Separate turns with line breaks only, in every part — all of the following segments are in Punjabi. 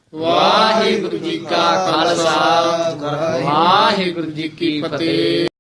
ਵਾਹਿਗੁਰੂ ਜੀ ਕਾ ਖਾਲਸਾ ਵਾਹਿਗੁਰੂ ਜੀ ਕੀ ਫਤਿਹ।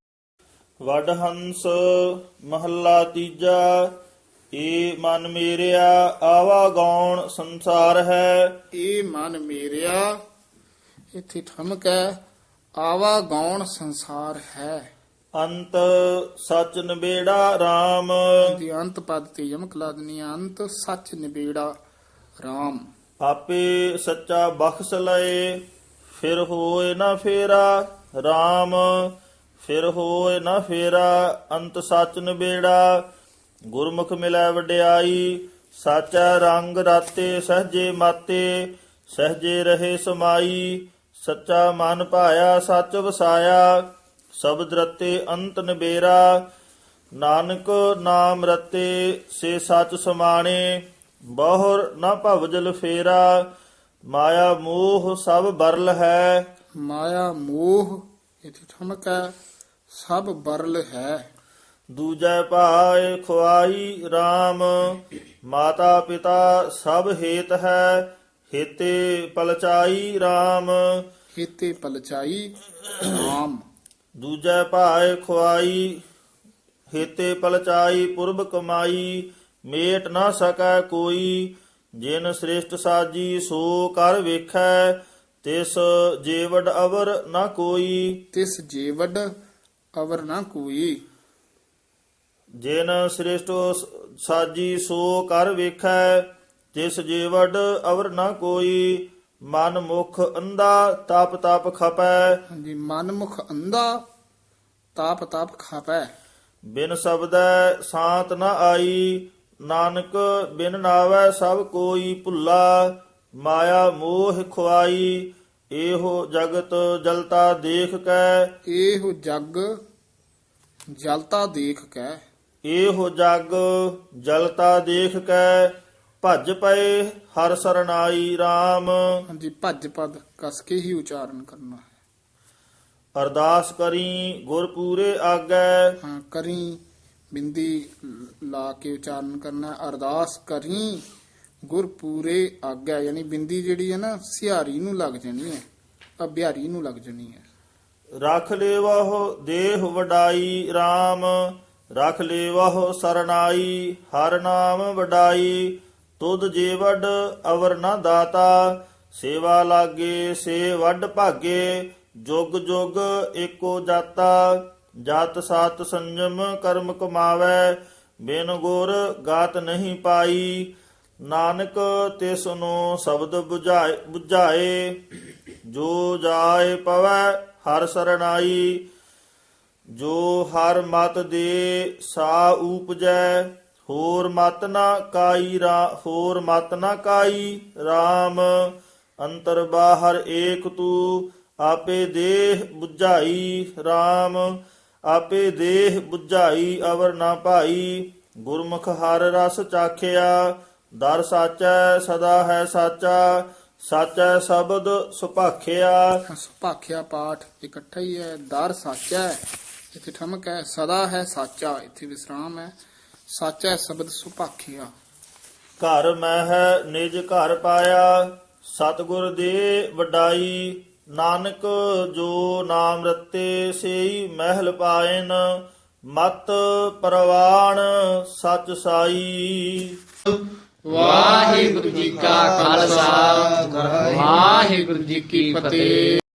ਵਡਹੰਸ ਮਹੱਲਾ ਤੀਜਾ। ਏ ਮਨ ਮੇਰਿਆ ਆਵਾ ਗੌਣ ਸੰਸਾਰ ਹੈ।
ਇਹ ਮਨ ਮੇਰਿਆ, ਇੱਥੇ ਠਮਕ ਹੈ, ਆਵਾ ਗੌਣ ਸੰਸਾਰ ਹੈ।
ਅੰਤ ਸਚ ਨਿਬੇੜਾ RAM।
ਦੀ ਅੰਤ ਪਦ ਤੇ ਯਮਕ ਲਾ ਦੇਣੀ ਹੈ। ਅੰਤ ਸੱਚ ਨਿਬੇੜਾ RAM।
ਆਪੇ ਸੱਚਾ ਬਖਸ਼ ਲਏ ਫਿਰ ਹੋਏ ਨਾ ਫੇਰਾ RAM। ਫਿਰ ਹੋਏ ਨਾ ਫੇਰਾ ਅੰਤ ਸਚ ਨਿਬੇੜਾ। ਗੁਰਮੁਖ ਮਿਲੈ ਵਡਿਆਈ ਸਾਚਾ ਰੰਗ ਰਾਤੇ ਸਹਜੇ ਮਾਤੇ। ਸਹਜੇ ਰਹੇ ਸਮਾਈ ਸੱਚਾ ਮਨ ਭਾਇਆ ਸੱਚ ਵਸਾਇਆ। ਸ਼ਬਦ ਰਤੇ ਅੰਤ ਨਿਬੇਰਾ ਨਾਨਕ ਨਾਮ ਰਤੇ ਸੇ ਸੱਚ ਸਮਾਣੇ। ਬਹੁਰ ਨਾ ਭਵਜਲ ਫੇਰਾ ਮਾਇਆ ਮੋਹ ਸਭ ਬਰਲ ਹੈ।
ਮਾਇਆ ਮੋਹ, ਇੱਥੇ ਠਮਕ ਹੈ, ਸਭ ਬਰਲ ਹੈ।
ਦੂਜੈ ਭਾਏ ਖੁਆਈ RAM। ਮਾਤਾ ਪਿਤਾ ਸਭ ਹੇਤ ਹੈ। ਹੇਤੇ ਪਲਚਾਈ RAM।
ਹੇਤੇ ਪਲਚਾਈ RAM।
ਦੂਜੈ ਭਾਏ ਖੁਆਈ ਹੇਤੇ ਪਲਚਾਈ ਪੁਰਬ ਕਮਾਈ। ਮੇਟ ਨਾ ਸਕੈ ਕੋਈ ਜਿਨ ਸ੍ਰਿਸ਼ਟ ਸਾਜੀ ਸੋ ਕਰ ਵੇਖੈ। ਤਿਸ ਜੀਵੜ ਅਵਰ ਨਾ ਕੋਈ।
ਤਿਸ ਜੀਵੜ ਅਵਰ ਨਾ ਕੋਈ।
ਜਿਨ ਸ੍ਰਿਸ਼ਟ ਸਾਜੀ ਸੋ ਕਰ ਵੇਖੈ। ਤਿਸ ਜੀਵੜ ਅਵਰ ਨਾ ਕੋਈ। ਮਨ ਮੁਖ ਅੰਧਾ ਤਪ ਤਪ ਖਪੈ।
ਹਾਂਜੀ, ਮਨ ਮੁਖ ਅੰਧਾ ਤਾਪ ਤਾਪ ਖਾਪੈ।
ਬਿਨ ਸ਼ਬਦੈ ਸਾਤ ਨ ਆਈ। ਨਾਨਕ ਬਿਨ ਨਾਵੈ ਸਭ ਕੋਈ ਭੁੱਲਾ। ਮਾਇਆ ਮੋਹ ਖੁਆਈ ਇਹੋ ਜਗਤ ਜਲਤਾ ਦੇਖ ਕੈ।
ਇਹੋ ਜਗ ਜਲਤਾ ਦੇਖ ਕੈ।
ਇਹੋ ਜਗ ਜਲਤਾ ਦੇਖ ਕੈ। ਭਜ ਪਏ ਹਰ ਸਰਨਾਈ RAM।
ਹਾਂਜੀ, ਭੱਜ ਪਦ ਕਸ ਕੇ ਹੀ ਉਚਾਰਨ ਕਰਨਾ ਹੈ।
ਅਰਦਾਸ ਕਰੀ ਗੁਰ ਪੂਰੇ ਆਗੈ।
ਹਾਂ, ਕਰੀ ਬਿੰਦੀ ਲਾ ਕੇ ਉਚਾਰਨ ਕਰਨਾ ਹੈ। ਅਰਦਾਸ ਕਰੀ ਗੁਰ ਪੂਰੇ ਆਗਿਆ, ਯਾਨੀ ਬਿੰਦੀ ਜਿਹੜੀ ਹੈ ਨਾ ਸਿਹਾਰੀ ਨੂੰ ਲੱਗ ਜਾਣੀ ਹੈ, ਅਭਿਆਰੀ ਨੂੰ ਲੱਗ ਜਾਣੀ ਹੈ।
ਰਖ ਲੇਵਹੁ ਦੇਹ ਵਡਾਈ RAM। ਰਖ ਲੇਵਹੁ ਸਰਨਾਈ ਹਰ ਨਾਮ ਵਡਾਈ। ਤੁਧ ਜੀਵੜ ਅਵਰ ਨਾ ਦਾਤਾ ਸੇਵਾ ਲਾਗੇ ਸੇ ਵੱਡ ਭਾਗੇ। ਜੁਗ ਜੁਗ ਏਕੋ ਜਾਤਾ ਜਤ ਸਤ ਸੰਜਮ ਕਰਮ ਕਮਾਵੈ। ਬਿਨ ਗੁਰ ਗਾਤ ਨਹੀਂ ਪਾਈ ਨਾਨਕ ਤਿਸ ਨੂੰ ਸ਼ਬਦ ਬੁਝਾਏ। ਜੋ ਜਾਏ ਪਵੈ ਹਰ ਸਰਨਾਈ ਜੋ ਹਰ ਮਤ ਦੇ ਸਾ ਊਪਜੈ। ਹੋਰ ਮਤ ਨਾ ਕਾਈ ਹੋਰ ਮਤ ਨਾ ਕਾਈ RAM। ਅੰਤਰ ਬਾਹਰ ਏਕ ਤੂ ਆਪੇ ਦੇਹ ਬੁਝਾਈ RAM। ਆਪੇ ਦੇਹ ਬੁਝਾਈ ਅਵਰ ਨਾ ਭਾਈ। ਗੁਰਮੁਖ ਹਰ ਰਸ ਚਾਖਿਆ ਦਰ ਸਾਚੈ ਸਦਾ ਹੈ ਸਾਚਾ। ਸਾਚੈ ਸ਼ਬਦ ਸੁਭਾਖਿਆ।
ਸੁਭਾਖਿਆ ਪਾਠ ਇਕੱਠਾ ਹੀ ਹੈ। ਦਰ ਸਾਚਾ ਹੈ, ਇੱਥੇ ਠਮਕ ਹੈ। ਸਦਾ ਹੈ ਸਾਚਾ, ਇੱਥੇ ਵਿਸਰਾਮ ਹੈ। ਸਾਚਾ ਸ਼ਬਦ ਸੁਭਾਖਿਆ।
ਘਰ ਮਹਿ ਨਿਜ ਘਰ ਪਾਇਆ ਸਤਿਗੁਰ ਦੇ ਵਡਾਈ। ਨਾਨਕ ਜੋ ਨਾਮ ਰਤੇ ਸੇਈ ਮਹਿਲ ਪਾਇਨ। ਮਤ ਪਰਵਾਣ ਸਚ ਸਾਈ।
ਵਾਹਿਗੁਰੂ ਜੀ ਕਾ ਖਾਲਸਾ ਵਾਹਿਗੁਰੂ ਜੀ ਕੀ ਫਤਿਹ।